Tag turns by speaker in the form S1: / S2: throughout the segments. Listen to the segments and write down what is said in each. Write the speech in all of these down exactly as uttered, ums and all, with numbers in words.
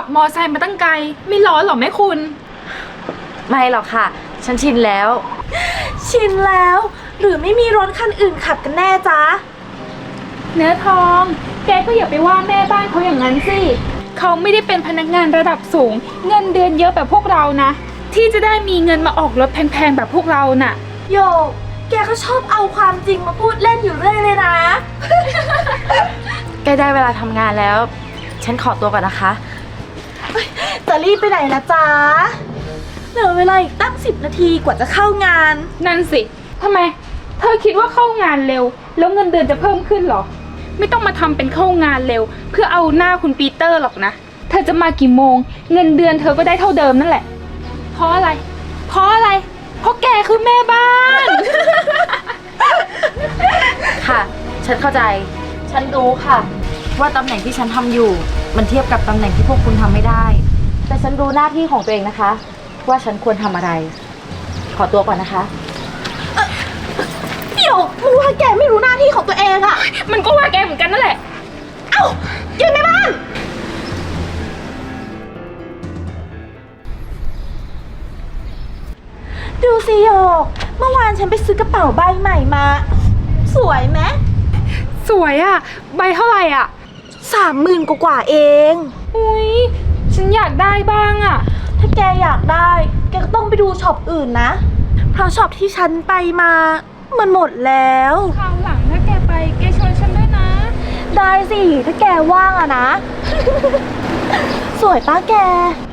S1: มอไซค์มาตั้งไกลไม่ร้อนหรอแม่คุณ
S2: ไม่หรอกค่ะฉันชินแล้ว
S3: ชินแล้วหรือไม่มีรถคันอื่นขับกันแน่จ๊ะ
S1: เนื้อทองแกก็อย่าไปว่าแม่บ้านเขาอย่างนั้นสิเขาไม่ได้เป็นพนักงานระดับสูงเงินเดือนเยอะแบบพวกเรานะที่จะได้มีเงินมาออกรถแพงๆแบบพวกเราน่ะ
S3: โยกแกก็ชอบเอาความจริงมาพูดเล่นอยู่เรื่อยเลยนะ
S2: ใกล้ได้เวลาทำงานแล้วฉันขอตัวก่อนนะคะ
S3: จะรีบไปไหนนะจ๊ะเหลือเวลาอีกตั้งสิบนาทีกว่าจะเข้างาน
S1: นั่นสิทำไมเธอคิดว่าเข้างานเร็วแล้วเงินเดือนจะเพิ่มขึ้นหรอไม่ต้องมาทำเป็นเข้างานเร็วเพื่อเอาหน้าคุณปีเตอร์หรอกนะเธอจะมากี่โมงเงินเดือนเธอก็ได้เท่าเดิมนั่นแหละเพราะอะไรเพราะอะไรเพราะแกคือแม่บ้าน
S2: ค่ะฉันเข้าใจฉันรู้ค่ะว่าตำแหน่งที่ฉันทำอยู่มันเทียบกับตำแหน่งที่พวกคุณทำไม่ได้แต่ฉันรู้หน้าที่ของตัวเองนะคะว่าฉันควรทำอะไรขอตัวก่อนนะคะ
S3: เดี๋ยวมึงว่าแกไม่รู้หน้าที่ของตัวเองอะ
S1: มันก็ว่าแกเหมือนกันนั่นแหละ
S3: เอ้ายืนในบ้านดูสิโยกเมื่อวานฉันไปซื้อกระเป๋าใบใหม่มาสวยไหม
S1: สวยอะใบเท่าไหร่อะ
S3: สามหมื่นกว่าเอง
S1: อุ้ยฉันอยากได้บ้างอะ
S3: ถ้าแกอยากได้แกก็ต้องไปดูช็อปอื่นนะเพราะช็อปที่ฉันไปมามันหมดแล้ว
S1: คราวหลังถ้าแกไปแกชวนฉันด้วยนะ
S3: ได้สิถ้าแกว่างอะนะ สวยป้าแก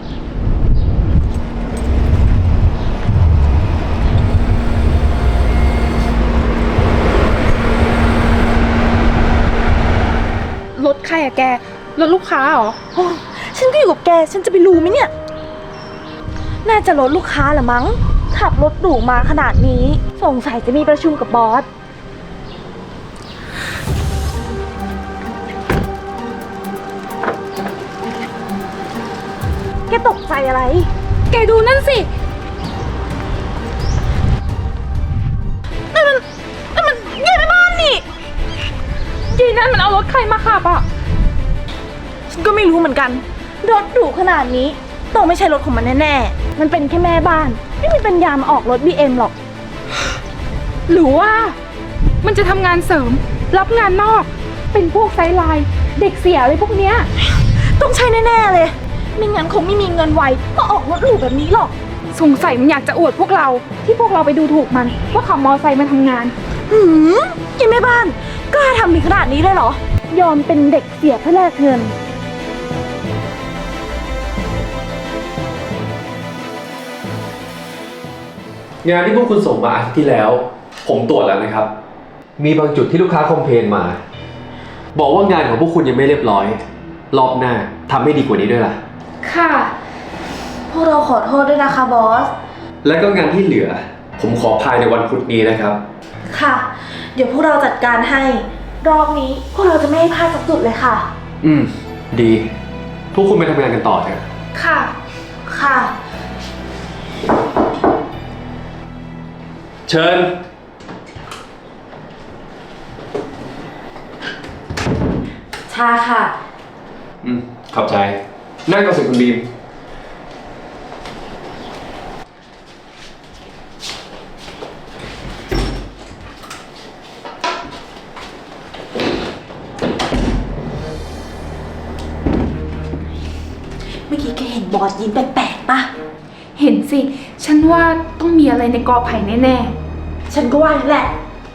S1: รถใครอะแกรถลูกค้าเหรอ
S3: ฉันก็อยู่กับแกฉันจะไปรู้ไหมเนี่ยน่าจะรถลูกค้าเหรอมั้งขับรถหรูมาขนาดนี้สงสัยจะมีประชุมกับบอสแกตกใจอะไร
S1: แกดูนั่นสิ
S3: นั่นมันนั่นมันยายแม่บ้านนี่
S1: ยีนั่นมันเอารถใครมาขับอ่ะ
S3: ฉันก็ไม่รู้เหมือนกันรถหรูขนาดนี้ต้องไม่ใช่รถของมันแน่ๆมันเป็นแค่แม่บ้านไม่มีปัญญามาออกรถ บี เอ็ม หรอก
S1: หรือว่ามันจะทำงานเสริมรับงานนอกเป็นพวกไซด์ไลน์เด็กเสียอะไรพวกเนี้ย
S3: ต้องใช่แน่ๆเลยไม่งั้นคงไม่มีเงินไวมาออกรถหรูแบบนี้หรอก
S1: สงสัยมันอยากจะอวดพวกเราที่พวกเราไปดูถูกมันว่าขับมอไซค์มาทำงาน
S3: หืมยังแม่บ้านกล้าทำถึงขนาดนี้เลยเหรอยอมเป็นเด็กเสียเพื่อแลกเงิน
S4: งานที่พวกคุณส่งมาอาทิตย์ที่แล้วผมตรวจแล้วนะครับมีบางจุดที่ลูกค้าคอมเพลนมาบอกว่างานของพวกคุณยังไม่เรียบร้อยรอบหน้าทำให้ดีกว่านี้ด้วยล่ะ
S1: ค่ะ
S3: พวกเราขอโทษด้วยนะคะบอส
S4: และก็งานที่เหลือผมขอภายในวันพุธนี้นะครับ
S3: ค่ะเดี๋ยวพวกเราจัดการให้รอบนี้พวกเราจะไม่ให้พลาดสักจุดเลยค่ะ
S4: อืมดีทุกคุณไปทำงานกันต่อเถอะ
S1: ค่ะ
S3: ค่ะ
S4: เชิญ
S2: ชาค่ะ
S4: อืมขอบใจนั่งก่อนสิคุณบีม
S3: เมื่อกี้แกเห็นบอสยิ้มแปลกๆปะ
S1: เห็นสิฉันว่าต้องมีอะไรในกอไผ่แน่
S3: ๆฉันก็ว่าแหละ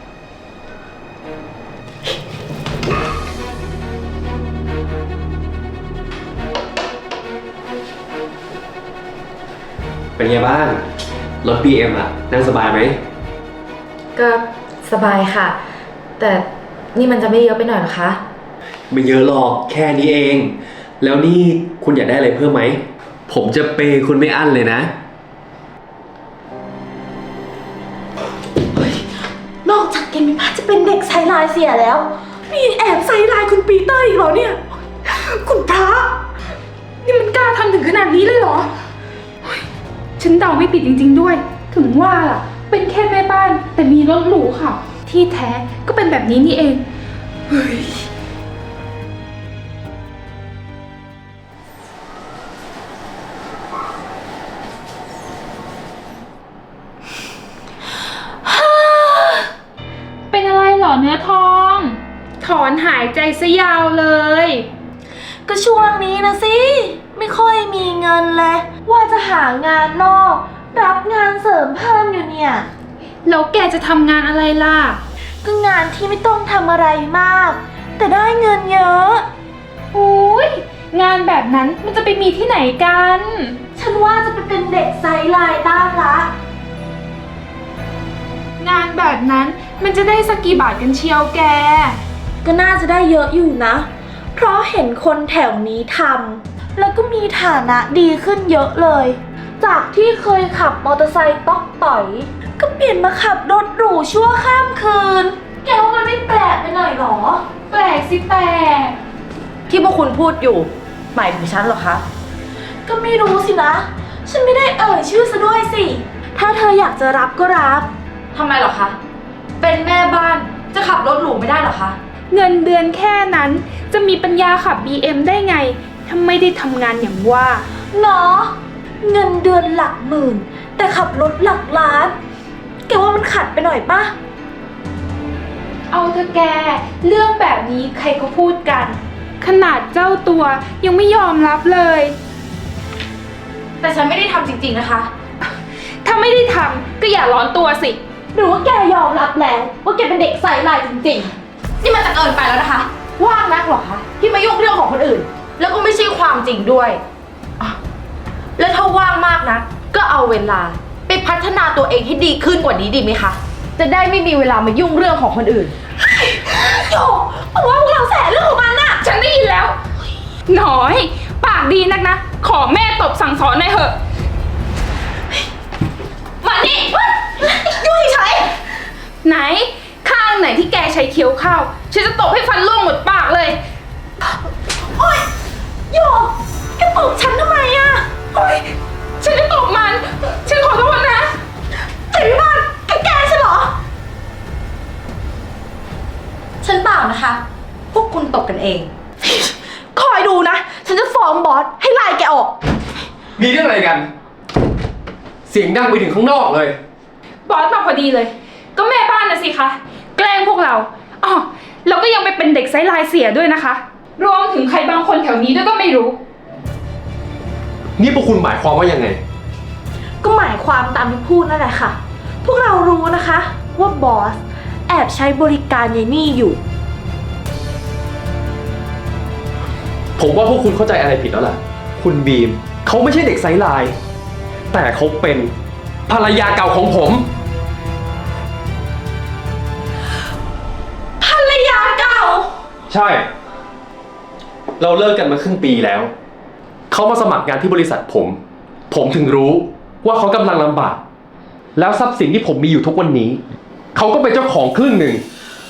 S4: เป็นไงบ้างรถ บี เอ็ม อ่ะนั่งสบายไหม
S2: ก็สบายค่ะแต่นี่มันจะไม่เยอะไปหน่อยหรอคะ
S4: ไม่เยอะหรอกแค่นี้เองแล้วนี่คุณอยากได้อะไรเพิ่มไหมผมจะเปย์คุณไม่อั้นเลยนะ
S3: นอกจากแกมีพาจะเป็นเด็กไซไลน์เสียแล้วมีแอบไซไลน์คุณปีเตอร์อีกเหรอเนี่ยคุณพระ
S1: นี่มันกล้าทำถึงขนาดนี้เลยเหรอฉันเดาไม่ผิดจริงๆด้วยถึงว่าล่ะเป็นแค่แม่บ้านแต่มีรถหรูค่ะที่แท้ก็เป็นแบบนี้นี่เองเฮ้ยอนหายใจซะยาวเลย
S3: ก็ช่วงนี้นะสิ ไม่ค่อยมีเงินเลย ว่าจะหางานนอก รับงานเสริมเพิ่มอยู่เนี่ย
S1: แล้วแกจะทำงานอะไรล่ะ
S3: ก็งานที่ไม่ต้องทำอะไรมาก แต่ได้เงินเยอะ
S1: อุ้ยงานแบบนั้นมันจะไปมีที่ไหนกัน
S3: ฉันว่าจะไปเป็นเด็กไซด์ไลน์บ้างละ
S1: งานแบบนั้นมันจะได้สักกี่บาทกันเชียวแก
S3: ก็น่าจะได้เยอะอยู่นะ เพราะเห็นคนแถวนี้ทำแล้วก็มีฐานะดีขึ้นเยอะเลย จากที่เคยขับมอเตอร์ไซค์ต๊อกต่อย ก็เปลี่ยนมาขับรถหรูชั่วข้ามคืน แกว่ามันไม่แปลกไปหน่อยหรอ
S1: แปลกสิแปลก
S2: ที่พวกคุณพูดอยู่หมายถึงฉันเหรอคะ
S3: ก็ไม่รู้สินะ ฉันไม่ได้เอ่ยชื่อซะด้วยสิ ถ้าเธออยากจะรับก็รับ
S2: ทำไมเหรอคะ เป็นแม่บ้านจะขับรถหรูไม่ได้เหรอคะ
S1: เงินเดือนแค่นั้นจะมีปัญญาขับ บี เอ็ม ได้ไงถ้าไม่ได้ทำงานอย่างว่า
S3: เนาะเงินเดือนหลักหมื่น แต่ขับรถหลักล้าน แกว่ามันขัดไปหน่อยปะ
S1: เอาเถอะแก เรื่องแบบนี้ใครก็พูดกัน ขนาดเจ้าตัวยังไม่ยอมรับเลย
S2: แต่ฉันไม่ได้ทำจริงๆนะคะ
S1: ถ้าไม่ได้ทำก็อย่าร้อนตัวสิ
S3: หรือว่าแกยอมรับแล้วว่าแกเป็นเด็กใส่ลายจริง
S2: นี่มันจะเกินไปแล้วนะคะ ว่างนักเหรอคะที่มายุ่งเรื่องของคนอื่น แล้วก็ไม่ใช่ความจริงด้วยอ่ะแล้วถ้าว่างมากนะ ก็เอาเวลาไปพัฒนาตัวเองให้ดีขึ้นกว่านี้ดีไหมคะ จะได้ไม่มีเวลามายุ่งเรื่องของคนอื่น
S3: ๆโยมันว่าพวกเราแสเรื่องของมันอะ
S1: ฉันได้ยินแล้ว หน่อย ปากดีนักนะ ขอแม่ตบสั่งสอนหน่อยเถอะ มานี่
S3: ยุ่ยใช้
S1: ไหน ข้างไหนที่แกใช้เคี้ยวข้าว ฉันจะตบให้ฟันร่วงหมดปากเลย
S3: โอ๊ยโยแกตบฉันทำไมอะโอ๊ย
S1: ฉันจะตบมัน ฉันขอโทษนะ
S3: เจ๋งมากแกแกฉันเหรอ
S2: ฉันเปล่านะคะ พวกคุณตบกันเอง
S3: คอยดูนะ ฉันจะฟ้องบอสให้ไล่แกออก
S4: มีเรื่องอะไรกัน เสียงดังไปถึงข้างนอกเลย
S1: บอสมาพอดีเลย ก็แม่บ้านนะสิคะ แกล้งพวกเราอ๋อแล้วก็ยังไปเป็นเด็กไซส์ไลน์เสียด้วยนะคะ รวมถึงใครบางคนแถวนี้ด้วยก็ไม่รู้
S4: นี่พวกคุณหมายความว่ายังไง
S3: ก็หมายความตามที่พูดนั่นแหละค่ะ พวกเรารู้นะคะ ว่าบอสแอบใช้บริการยายนี่อยู่
S4: ผมว่าพวกคุณเข้าใจอะไรผิดแล้วล่ะ คุณบีมเขาไม่ใช่เด็กไซส์ไลน์แต่เขาเป็นภรรยาเก่าของผม
S3: ภรรยาเก่า
S4: ใช่ เราเลิกกันมาครึ่งปีแล้ว เขามาสมัครงานที่บริษัทผม ผมถึงรู้ว่าเขากำลังลำบาก แล้วทรัพย์สินที่ผมมีอยู่ทุกวันนี้ เขาก็เป็นเจ้าของครึ่งหนึ่ง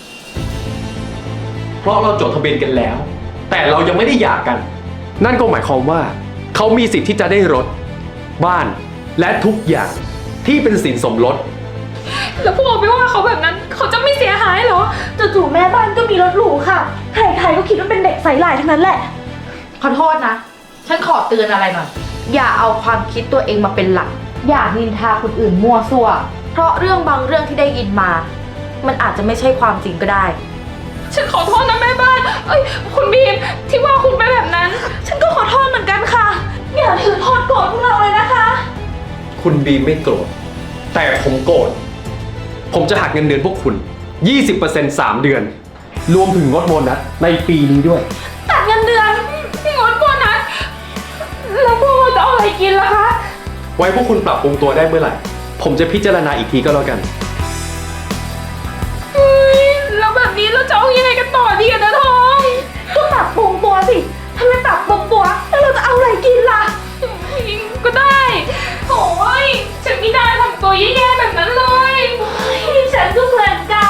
S4: เพราะเราจดทะเบียนกันแล้ว แต่เรายังไม่ได้หย่ากัน นั่นก็หมายความว่า เขามีสิทธิ์ที่จะได้รถ บ้าน และทุกอย่างที่เป็นสินสมรส
S1: แล้วพวกเราไปว่าเขาแบบนั้น เขาจะไม่เสียหายเหรอ
S3: จู่ๆแม่บ้านก็มีรถหรูค่ะ ใครๆก็คิดว่าเป็นเด็กใส่ลายทั้งนั้นแหละ
S2: ขอโทษนะ ฉันขอเตือนอะไรหน่อย อย่าเอาความคิดตัวเองมาเป็นหลัก อย่านินทาคนอื่นมั่วซั่ว เพราะเรื่องบางเรื่องที่ได้ยินมา มันอาจจะไม่ใช่ความจริงก็ได้
S1: ฉันขอโทษนะแม่บ้าน เอ้ย คุณบีมที่ว่าคุณไปแบบนั้น
S3: ฉันก็ขอโทษเหมือนกันค่ะ อย่าถือโทษโกรธพวกเราเลยนะคะ
S4: คุณบีมไม่โกรธ แต่ผมโกรธ ผมจะหักเงินเดือนพวกคุณ ยี่สิบเปอร์เซ็นต์ สามเดือน รวมถึงงดโบนัสในปีนี้ด้วย
S3: ตัดเงินเดือน
S1: งดโบนัส แล้วพวกเราจะเอาอะไรกินล่ะคะ
S4: ไว้พวกคุณปรับปรุงตัวได้เมื่อไหร่ ผมจะพิจารณาอีกทีก็แล้วกัน
S1: เฮ้ย แล้วแบบนี้เราจะเอายังไงกันต่อดีอะนะทอง
S3: ก็ปรับปรุงตัวสิถ้าไม่ปรับปรุงตัวแล้วเราจะเอาอะไรกินล่ะ
S1: ก็ได้โอ้ยฉันไม่ได้ทำตัวแย่ๆแบบนั้นเลยฉันก็เหมือนกัน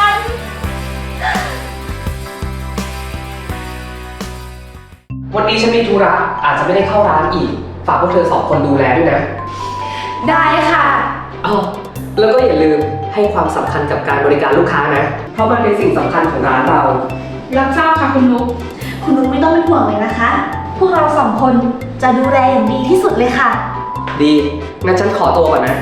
S5: วันนี้ฉันมีธุระอาจจะไม่ได้เข้าร้านอีก ฝากพวกเธอสองคนดูแลด้วยนะ
S1: ได้ค่ะ
S5: อ๋อแล้วก็อย่าลืมให้ความสำคัญกับการบริการลูกค้านะ เพราะมันเป็นสิ่งสำคัญของร้านเรา
S1: รับทราบค่ะคุณนุ๊ก
S3: คุณนุ๊กไม่ต้องเป็นห่วงเลยนะคะ พวกเราสองคนจะดูแลอย่างดีที่สุดเลยค่ะ
S5: ดี งั้นฉันขอตัวก่อนนะ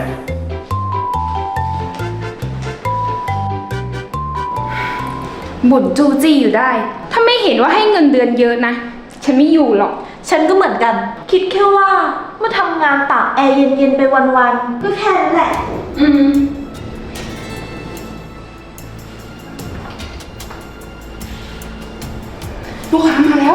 S1: บ่นจู้จี้อยู่ได้าไม่เห็นว่าให้เงินเดือนเยอะนะ ฉันไม่อยู่หรอก
S3: ฉันก็เหมือนกัน คิดแค่ว่ามาทำงานตากแอร์เย็นๆไปวันๆก็แค่นั้นแหละ
S1: อืม ลูกค้ามาแล้ว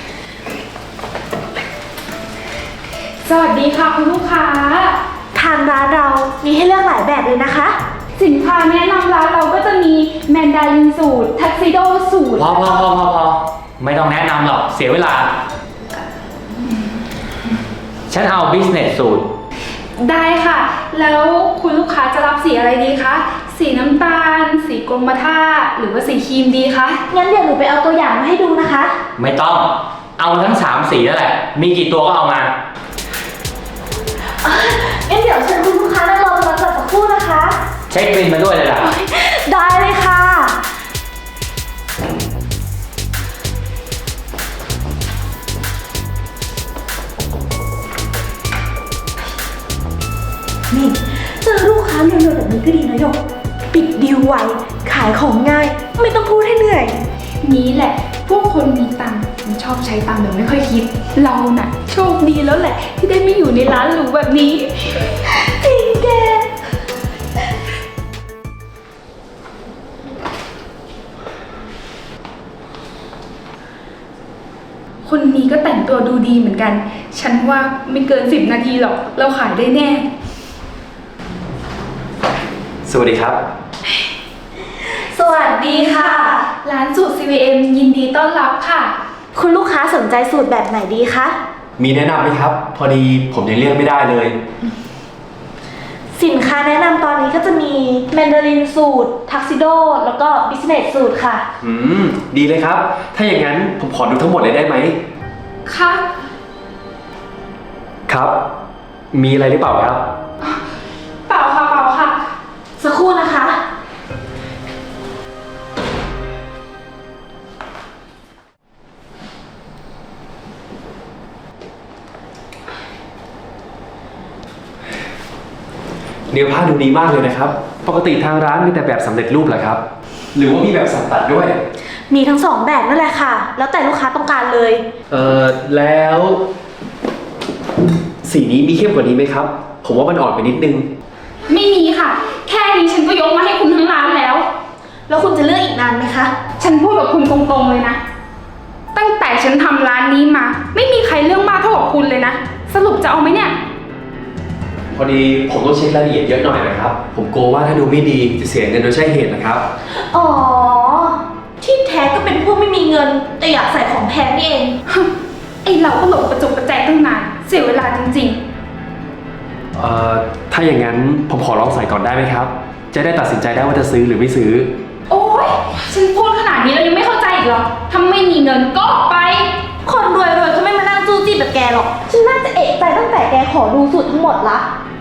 S1: สวัสดีค่ะคุณลูกค้า
S3: ทางร้านเรามีให้เลือกหลายแบบเลยนะคะ
S1: สินค้าแนะนำร้านเราก็จะมีแมนดารินสูตร ทักซิโดสูตร
S6: พอพอพอพอพอไม่ต้องแนะนำหรอกเสียเวลา ฉันเอา business สูตร
S1: ได้ค่ะ แล้วคุณลูกค้าจะรับสีอะไรดีคะ สีน้ำตาล สีกรมท่า หรือว่าสีครีมดีคะ
S3: งั้นเดี๋ยวหนูไปเอาตัวอย่างมาให้ดูนะคะ
S6: ไม่ต้องเอาทั้งสามสีนั่นแหละ มีกี่ตัวก็เอามา
S3: งั้นเดี๋ยวเชิญคุณลูกค้านั่งรอตรงนั้นก่อนสักครู่นะคะ
S6: เช็คบินมาด้วยเลยล่ะ
S3: ได้เลยค่ะ นี่เจอลูกค้าเร็วๆแบบนี้ก็ดีนะหยก ปิดดีลไว ขายของง่าย ไม่ต้องพูดให้เหนื่อย
S1: นี้แหละ พวกคนมีตังค์มันชอบใช้ตังค์แบบไม่ค่อยคิด เราน่ะ โชคดีแล้วแหละ ที่ได้ไม่อยู่ในร้านหรูแบบนี้
S3: จริงแก
S1: คนนี้ก็แต่งตัวดูดีเหมือนกัน ฉันว่าไม่เกินสิบนาทีหรอก เราขายได้แน่
S4: สวัสดีครับ
S3: สวัสดีค่ะ
S1: ร้านสูตร ซี วี เอ็ม ยินดีต้อนรับค่ะ
S3: คุณลูกค้าสนใจสูตรแบบไหนดีคะ
S4: มีแนะนำไหมครับ พอดีผมยังเลือกไม่ได้เลย
S3: สินค้าแนะนำตอนนี้ก็จะมีแมนดารินสูตร ทักซิโด แล้วก็บิสเนสสูตรค่ะ
S4: อืม ดีเลยครับ ถ้าอย่างนั้นผมขอดูทั้งหมดเลยได้ไหม
S1: ค่ะ
S4: ครับ มีอะไรหรือเปล่าครับ
S1: เปล่าค่ะ เปล่าค่ะ
S3: สักครู่นะคะ
S4: เนื้อผ้าดูดีมากเลยนะครับ ปกติทางร้านมีแต่แบบสำเร็จรูปเหรอครับ หรือว่ามีแบบสั่งตัดด้วย
S3: มีทั้งสองแบบนั่นแหละค่ะ แล้วแต่ลูกค้าต้องการเลย
S4: เอ่อ แล้ว สีนี้มีเข้มกว่านี้ไหมครับ ผมว่ามันอ่อนไปนิดนึง
S1: ไม่มีค่ะ แค่นี้ฉันก็ยกมาให้คุณทั้งร้านแล้ว
S3: แล้วคุณจะเลือกอีกนานไหมคะ
S1: ฉันพูดกับคุณตรงๆเลยนะ ตั้งแต่ฉันทำร้านนี้มา ไม่มีใครเรื่องมากเท่ากับคุณเลยนะ สรุปจะเอาไหมเนี่ย
S4: พอดีผมต้องเช็ครายละเอียดเยอะหน่อยนะครับ ผมกลัวว่าถ้าดูไม่ดีจะเสียเงินโดยใช่เหตุนะครับ
S3: อ๋อ ที่แท้ก็เป็นพวกไม่มีเงิน แต่อยากใส่ของแพงนี่เอง
S1: ไอเราก็หลงประจบประแจกตั้งนาน เสียเวลาจริง
S4: เอ่อ ถ้าอย่างนั้นผมขอลองใส่ก่อนได้ไหมครับ จะได้ตัดสินใจได้ว่าจะซื้อหรือไม่ซื้อ
S1: ๆ โอ๊ย ฉันพูดขนาดนี้แล้วยังไม่เข้าใจอีกเหรอถ้าไม่มีเงินก็ออกไป
S3: คนรวยๆก็ไม่มานั่งจู้จี้แบบแกหรอก ฉันน่าจะเอะใจตั้งแต่แกขอดูสูตรทั้งหมดละ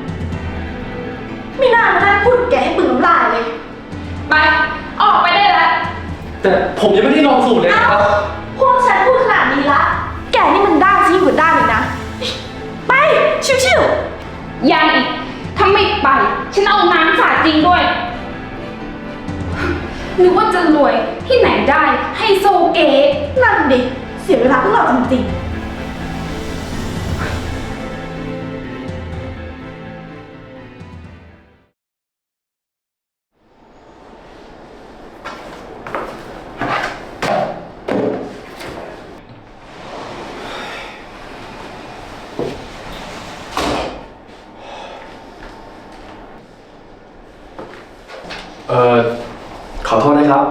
S3: ไม่น่ามานั่งพูดกับแกให้ปึงน้ำลายเลย
S1: ไป ออกไปได้แล้ว
S4: แต่ผมยังไม่ได้ลองสูตรเลย
S3: เอ้า
S4: นะครับ
S3: พวกฉันพูดขนาดนี้ละ แกนี่มันด้านยิ่งกว่าด้านเลยนะ ไป ชิวๆ
S1: ยังอีก ถ้าไม่ไป ฉันเอาน้ำสาดจริงด้วย นึกว่าจะรวยที่ไหนได้ไฮโซเก๋
S3: นั่นดิ เสียเวลาพวกเราจริงๆ
S4: เอ่อ ขอโทษนะครับ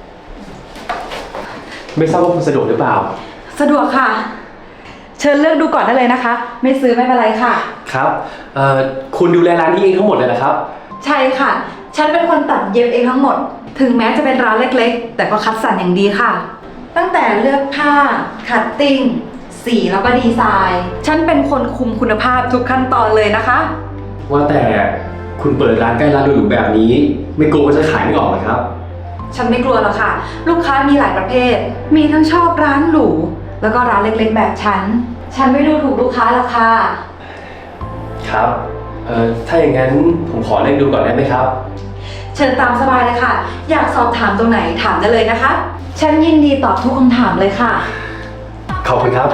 S4: ไม่ทราบว่าคุณสะดวกหรือเปล่า
S2: สะดวกค่ะ เชิญเลือกดูก่อนได้เลยนะคะ ไม่ซื้อไม่เป็นไรค่ะ
S4: ครับ เอ่อ คุณดูแลร้านนี้เองทั้งหมดเลยเหรอครับ
S2: ใช่ค่ะ ฉันเป็นคนตัดเย็บเองทั้งหมด ถึงแม้จะเป็นร้านเล็กๆ แต่ก็คัดสรรอย่างดีค่ะ ตั้งแต่เลือกผ้า คัตติ้ง สีแล้วก็ดีไซน์ ฉันเป็นคนคุมคุณภาพทุกขั้นตอนเลยนะคะ
S4: ว่าแต่คุณเปิดร้านใกล้ร้านหรูๆแบบนี้ ไม่กลัวว่าจะขายไม่ออกเหรอครับ
S2: ฉันไม่กลัวหรอกค่ะ ลูกค้ามีหลายประเภท มีทั้งชอบร้านหรู แล้วก็ร้านเล็กๆ แบบฉัน ฉันไม่ดูถูกลูกค้าหรอกค่ะ
S4: ครับ เอ่อ ถ้าอย่างนั้นผมขอเล่นดูก่อนได้ไหมครับ
S2: เชิญตามสบายเลยค่ะ อยากสอบถามตรงไหนถามได้เลยนะคะ
S3: ฉันยินดีตอบทุกคำถามเลยค่ะ
S4: ขอบคุณครับ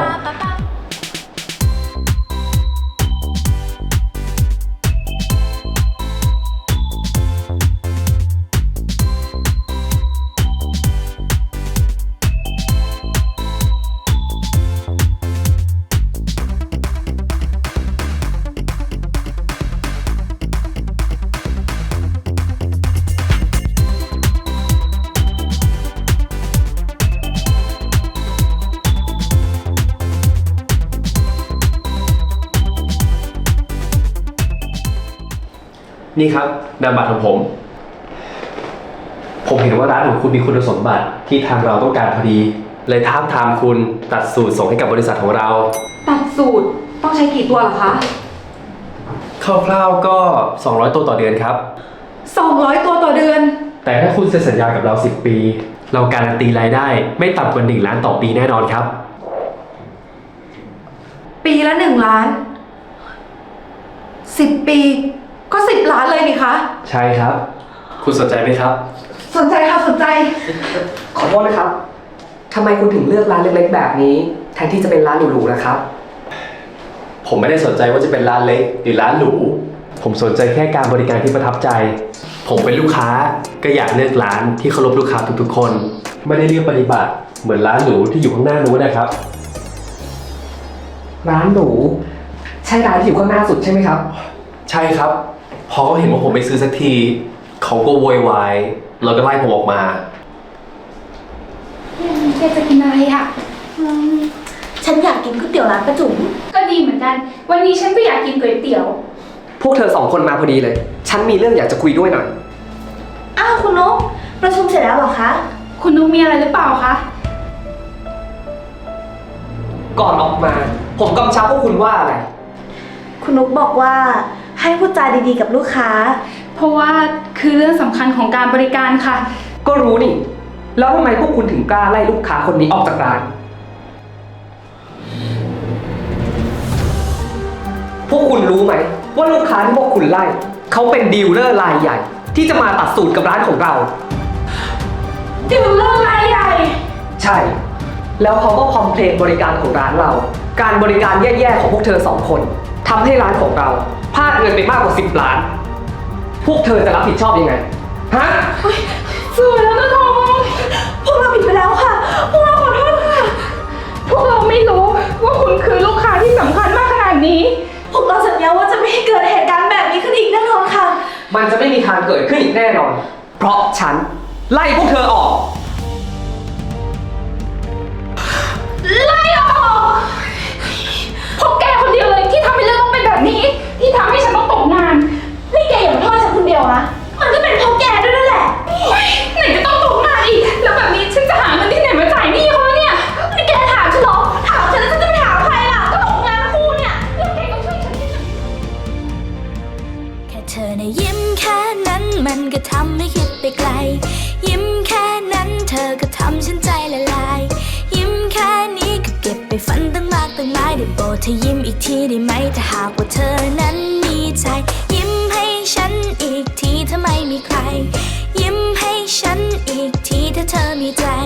S4: นี่ครับนามบัตรของผม ผมเห็นว่าร้านของคุณมีคุณสมบัติที่ทางเราต้องการพอดี เลยท้าบทามคุณตัดสูตรส่งให้กับบริษัทของเรา
S3: ตัดสูตรต้องใช้กี่ตัวเหรอคะ
S4: คร่าวๆก็ สองร้อย ตัวต่อเดือนครับ
S3: สองร้อยตัวต่อเดือน
S4: แต่ถ้าคุณเซ็นสัญญากับเรา สิบ ปี เราการันตีรายได้ไม่ต่ำกว่าหนึ่งล้านต่อปีแน่นอนครับ
S3: ปีละหนึ่งล้านสิบปีก็สิบล้านเลยนี่คะ
S4: ใช่ครับ คุณสนใจไหมครับ
S3: สนใจค่ะสนใจ
S5: ขอโทษนะครับทำไมคุณถึงเลือกร้านเล็กๆแบบนี้ แทนที่จะเป็นร้านหรูๆนะครับ
S4: ผมไม่ได้สนใจว่าจะเป็นร้านเล็กหรือร้านหรู ผมสนใจแค่การบริการที่ประทับใจ ผมเป็นลูกค้าก็อยากเลือกร้านที่เคารพลูกค้าทุกๆคน ไม่ได้เลือกปฏิบัติเหมือนร้านหรูที่อยู่ข้างหน้านู้นนะครับ
S5: ร้านหรูใช่ร้านที่อยู่ข้างหน้าสุดใช่ไหมครับ
S4: ใช่ครับ พอเขาเห็นว่าผมไปซื้อสักที เขาก็โวยวายแล้วก็ไล่ผมออกมา
S1: แกจะกินอะไรอ่ะ
S3: ฉันอยากกินก๋วยเตี๋ยวร้านประจุ๋ม
S1: ก็ดีเหมือนกัน วันนี้ฉันก็อยากกินก๋วยเตี๋ยว
S5: พวกเธอสองคนมาพอดีเลย ฉันมีเรื่องอยากจะคุยด้วยหน่อย
S3: อ้าวคุณนกประชุมเสร็จแล้วเหรอคะ
S1: คุณนุ๊กมีอะไรหรือเปล่าคะ
S5: ก่อนออกมา ผมกำชับพวกคุณว่าอะไร
S3: คุณนุกบอกว่าให้พูดจาดีๆกับลูกค้า
S1: เพราะว่าคือเรื่องสำคัญของการบริการค่ะ
S5: ก็รู้นี่ แล้วทำไมพวกคุณถึงกล้าไล่ลูกค้าคนนี้ออกจากร้าน พวกคุณรู้ไหมว่าลูกค้าที่พวกคุณไล่เขาเป็นดีลเลอร์รายใหญ่ ที่จะมาตัดสูตรกับร้านของเรา
S1: ดิวเลอร์รายใหญ่
S5: ใช่ แล้วเขาก็คอมเพลนบริการของร้านเรา การบริการแย่ๆของพวกเธอสองคนทำให้ร้านของเราพลาดเงินไปมากกว่าสิบล้าน พวกเธอจะรับผิดชอบยังไง ฮะ
S1: สวยแล้วนะทอง
S3: พวกเราผิดไปแล้วค่ะ พวกเราขอโทษค่ะ
S1: พวกเราไม่รู้ว่าคุณคือลูกค้าที่สำคัญมากขนาดนี้
S3: พวกเราสัญญาว่าจะไม่ให้เกิดเหตุการณ์แบบนี้ขึ้นอีกแน่นอนค่ะ
S5: มันจะไม่มีทางเกิดขึ้นอีกแน่นอน เพราะฉันไล่พวกเธอออก
S1: ไล่ออกพวกแกคนเดียวเลยที่ทำให้เรื่องต้องเป็นแบบนี้ ที่ทำให้ฉันต้องตกงาน
S3: นี่แกอย่ามาโทษฉันคนเดียวนะ มันก็เป็นเพราะแกด้วยนั่นแหละ
S1: โอ๊ยไหนจะต้องตกงานอีก แล้วแบบนี้ฉันจะหาเงินที่ไหนมาจ่ายหนี้เขาวะเนี่ย
S3: นี่แกถามฉันเหรอ ถามฉันแล้วฉันจะไปถามใครล่ะ ก็ตกงานทั้งคู่เนี่ย
S1: แล้วแกก็ช่วยฉันที่จะ
S7: แค่เธอในะยิ้มแค่นั้นมันก็ทำให้คิดไปไกล ยิ้มแค่นั้นเธอก็ทำฉันใจละลาย ยิ้มแค่นี้ก็เก็บไปฝันตั้งมากตั้งหลายได้โปรดเธอยิ้มอีกทีได้ไหมถ้าหากว่าเธอนั้นมีใจ ยิ้มให้ฉันอีกทีถ้าไม่มีใคร ยิ้มให้ฉันอีกทีถ้าเธอมีใจ